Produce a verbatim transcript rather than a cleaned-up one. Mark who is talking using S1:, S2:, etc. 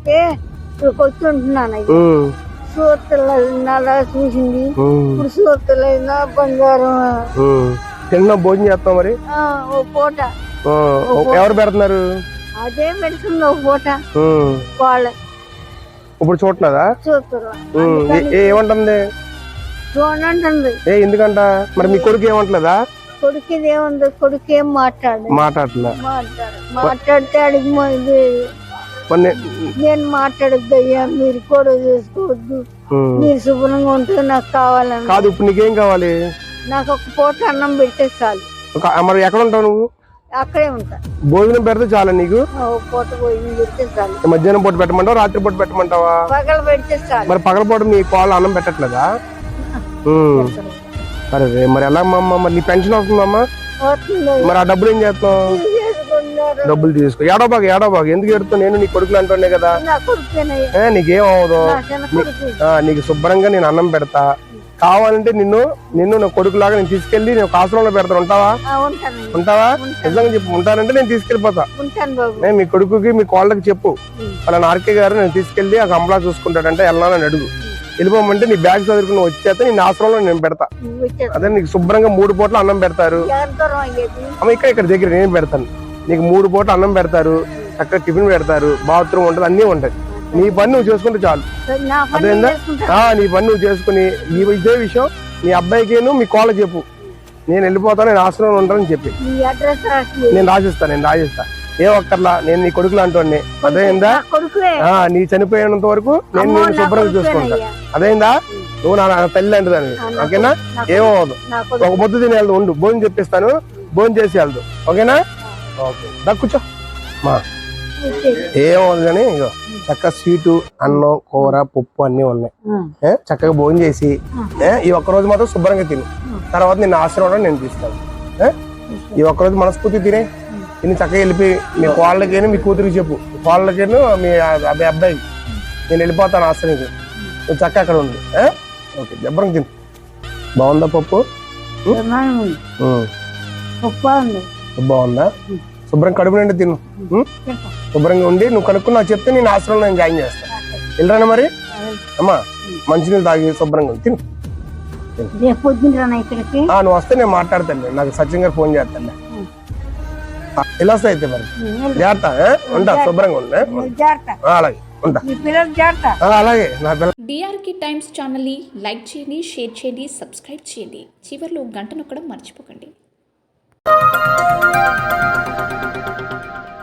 S1: అయితే ఇక్కడికి వచ్చి ఉంటున్నాను అయ్యా. సూతల చూసింది ఇప్పుడు సూతలైనా బంగారం
S2: తిన్నా భోజనం చేస్తాం మరి
S1: ఆ, ఓ పూట
S2: ఎవరు పెడుతున్నారు
S1: అదే పెడుతుంది ఒక పూట వాళ్ళ
S2: ఇప్పుడు చూడలేదా
S1: చూస్తున్నా
S2: ఏమంటుంది
S1: చూడండి.
S2: ఏ ఎందుకంట మరి మీ కొడుకు ఏమంటలేదా
S1: కొడుకు ఏముంది కొడుకు ఏం మాట్లాడు
S2: మాట్లాడలే
S1: మాట్లాడు మాట్లాడితే అడిగి ఇది
S2: మరి నే-
S1: నేను మాట్లాడద్దు అయ్యా మీరు కూడా చేసుకోవద్దు
S2: ఉమ్.
S1: మీరు శుభ్రంగా ఉంటే నాకు కావాలని
S2: కాదు ఇప్పుడు నీకేం కావాలి
S1: నాకు ఒక పూట అన్నం పెడితే చాలు.
S2: ఒక- మరి ఎక్కడ ఉంటావు నువ్వు
S1: అక్కడే ఉంటా.
S2: భోజనం పెడితే చాలా నీకు
S1: ఒక పూట భోజనం పెడితే చాలు.
S2: మధ్యాహ్నం పూట పెట్టమంటావా రాత్రి పూట పెట్టమంటావా
S1: పగల పెడితే చాలు.
S2: మరి పగల పూట మీ కోళ్ళు అన్నం పెట్టట్లేదా ఉమ్. సరే రే, మరి ఎలా అమ్మా మరి నీ పెన్షన్ వస్తుందమ్మా
S1: వస్తుంది.
S2: మరి ఆ డబ్బులు ఏం చేస్తున్నావు
S1: చేసుకున్నారు.
S2: డబ్బులు తీసుకో ఏడో బాగా ఏడో బాగా ఎందుకు ఎడుతావు నేను నీ కొడుకులు అంటున్నాయి కదా
S1: నా కొడుకేనయ్యా.
S2: ఏ నీకేం అవ్వదు
S1: నా చిన్న కొడుకు.
S2: ఆ, నీకు శుభ్రంగా నేను అన్నం పెడతా కావాలంటే నిన్ను నిన్ను నా కొడుకులాగా నేను తీసుకెళ్లి నేను ఒక ఆశ్రమంలో పెడతాను ఉంటావా
S1: ఆ, ఉంటానయ్యా.
S2: ఉంటావా నిజంగా చెప్పు ఉంటానంటే నేను తీసుకెళ్ళిపోతా
S1: ఉంటాను బాబు.
S2: నేను మీ కొడుకుకి మీ కోళ్ళకి చెప్పు
S1: ఉమ్.
S2: వాళ్ళ ఆర్కే గారు నేను తీసుకెళ్లి ఆ కంపలా చూసుకుంటాడంటే వెళ్ళాలని అడుగు వెళ్ళిపోమంటే నీ బ్యాగ్ చదువుకుని వచ్చేస్తే నేను ఆశ్రమంలో నేను పెడతా
S1: నువ్వు వచ్చేది.
S2: అదే నీకు శుభ్రంగా మూడు పూట్ల అన్నం పెడతారు
S1: ఎవరి దూరం అయ్యేది?
S2: అమ్మ ఇక్కడ ఇక్కడ దగ్గర నేను పెడతాను నీకు మూడు పూట అన్నం పెడతారు చక్కగా టిఫిన్ పెడతారు బాత్రూమ్ ఉంటుంది అన్నీ ఉంటాయి నీ పని నువ్వు చేసుకుంటే చాలు
S1: నా పని
S2: అదేందా
S1: చేసుకుంటా.
S2: ఆ, నీ పని నువ్వు చేసుకుని ఈ ఇదే విషయం నీ అబ్బాయికిను మీ కోళ్ళ చెప్పు నేను వెళ్ళిపోతాను నేను ఆశ్రమంలో ఉంటానని చెప్పి
S1: నీ అడ్రస్ రాసి
S2: నేను రాసిస్తా నేను రాసిస్తా ఏ ఒక్కర్లా నేను నీ కొడుకులు అంటోండి అదేందా
S1: నా కొడుకువే.
S2: ఆ, నీ చనిపోయేంత వరకు నేను
S1: అమ్మో,
S2: నేను
S1: నా
S2: శుభ్రంగా చూసుకుంటా
S1: కొడుకువేనయ్యా.
S2: అదేందా నువ్వు నా నా తల్లి అంటే దాన్ని
S1: ఆ, నా
S2: ఓకేనా
S1: నా
S2: ఏమవదు
S1: నా కొడుకు.
S2: ఒక ముద్దు తిని వెళ్దు ఉండు భోజనం చెప్పిస్తాను భోజనం చేసి వెళ్దు ఓకేనా ఓకే దా కూర్చో మా
S1: వచ్చేది.
S2: ఏమవుతుంది కానీ ఇగో చక్కగా స్వీటు అన్నం కూర పప్పు అన్నీ ఉన్నాయి
S1: ఉమ్.
S2: ఏ, చక్కగా భోజనం చేసి ఏ, ఈ ఒక్క రోజు మాత్రం శుభ్రంగా తిను తర్వాత నిన్ను ఆశీర్వాదం నేను తీస్తాను ఏ, ఈ ఒక్క రోజు మనస్ఫూర్తి తినే తిని చక్కగా వెళ్ళిపోయి మీ కోళ్ళకేను మీ కూతురికి చెప్పు కోళ్ళకేను మీ అబ్బాయి అబ్బాయి నేను వెళ్ళిపోతాను ఆశ్రమానికి నువ్వు చక్కగా అక్కడ ఉంది ఏ? ఓకే శుభ్రంగా తిను బాగుందా పప్పు
S1: ప్రమాణం ఉంది.
S2: ఉమ్.
S1: గొప్ప ఉంది.
S2: బాగుందా శుభ్రం కడుపు నిండి తిను ఉమ్?
S1: చెప్పు.
S2: శుభ్రంగా ఉండి నువ్వు కనుక్కుని నాకు చెప్తే నేను ఆశ్రమంలో నేను జాయిన్ చేస్తాను వెళ్ళరానా మరి అమ్మా మంచినీళ్ళు తాగి శుభ్రంగా ఉంది తిను
S1: రేపు పొద్దున్న రానా ఇక్కడికి?
S2: ఆ, నువ్వు వస్తే నేను మాట్లాడతాను నాకు సచిన్ గారు ఫోన్ చేస్తాను ఎలా వస్తా అయితే మరి జాగ్రత్త ఏ? ఉంటా శుభ్రంగా ఉంది ఏ?
S1: నువ్వు జాగ్రత్త.
S2: ఆ, అలాగే ఉంటా
S1: నీ పిల్లలు జాగ్రత్త.
S2: ఆ, అలాగే నా పిల్ల
S3: డిఆర్కే టైమ్స్ ఛానల్ని లైక్ చేయండి, షేర్ చేయండి, సబ్స్క్రైబ్ చేయండి. చివర్లో గంట నొక్కడం మర్చిపోకండి.